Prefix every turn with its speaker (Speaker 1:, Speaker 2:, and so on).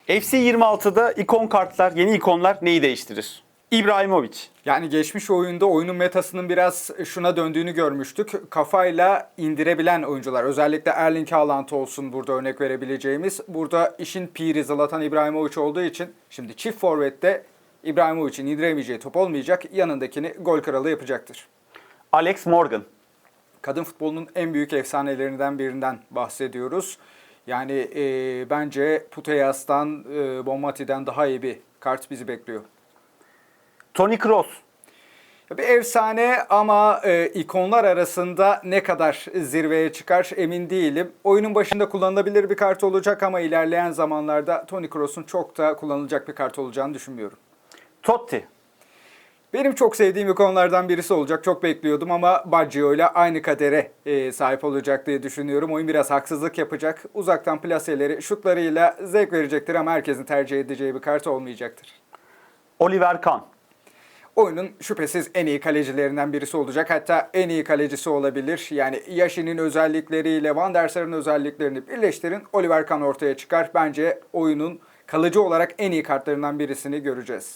Speaker 1: FC 26'da ikon kartlar, yeni ikonlar neyi değiştirir? İbrahimovic.
Speaker 2: Yani geçmiş oyunda oyunun metasının biraz şuna döndüğünü görmüştük. Kafayla indirebilen oyuncular, özellikle Erling Haaland olsun burada örnek verebileceğimiz. Burada işin piri Zlatan İbrahimovic olduğu için şimdi çift forvette İbrahimovic'in indiremeyeceği top olmayacak. Yanındakini gol kralı yapacaktır.
Speaker 1: Alex Morgan.
Speaker 2: Kadın futbolunun en büyük efsanelerinden birinden bahsediyoruz. Yani bence Puteyas'tan, Bonmati'den daha iyi bir kart bizi bekliyor.
Speaker 1: Toni Kroos.
Speaker 2: Bir efsane ama ikonlar arasında ne kadar zirveye çıkar emin değilim. Oyunun başında kullanılabilir bir kart olacak ama ilerleyen zamanlarda Toni Kroos'un çok da kullanılacak bir kart olacağını düşünmüyorum.
Speaker 1: Totti.
Speaker 2: Benim çok sevdiğim ikonlardan birisi olacak. Çok bekliyordum ama Baggio ile aynı kadere sahip olacak diye düşünüyorum. Oyun biraz haksızlık yapacak. Uzaktan plaseleri, şutlarıyla zevk verecektir ama herkesin tercih edeceği bir kart olmayacaktır.
Speaker 1: Oliver Kahn.
Speaker 2: Oyunun şüphesiz en iyi kalecilerinden birisi olacak. Hatta en iyi kalecisi olabilir. Yani Yashin'in özellikleriyle Van der Sar'ın özelliklerini birleştirin. Oliver Kahn ortaya çıkar. Bence oyunun kalıcı olarak en iyi kartlarından birisini göreceğiz.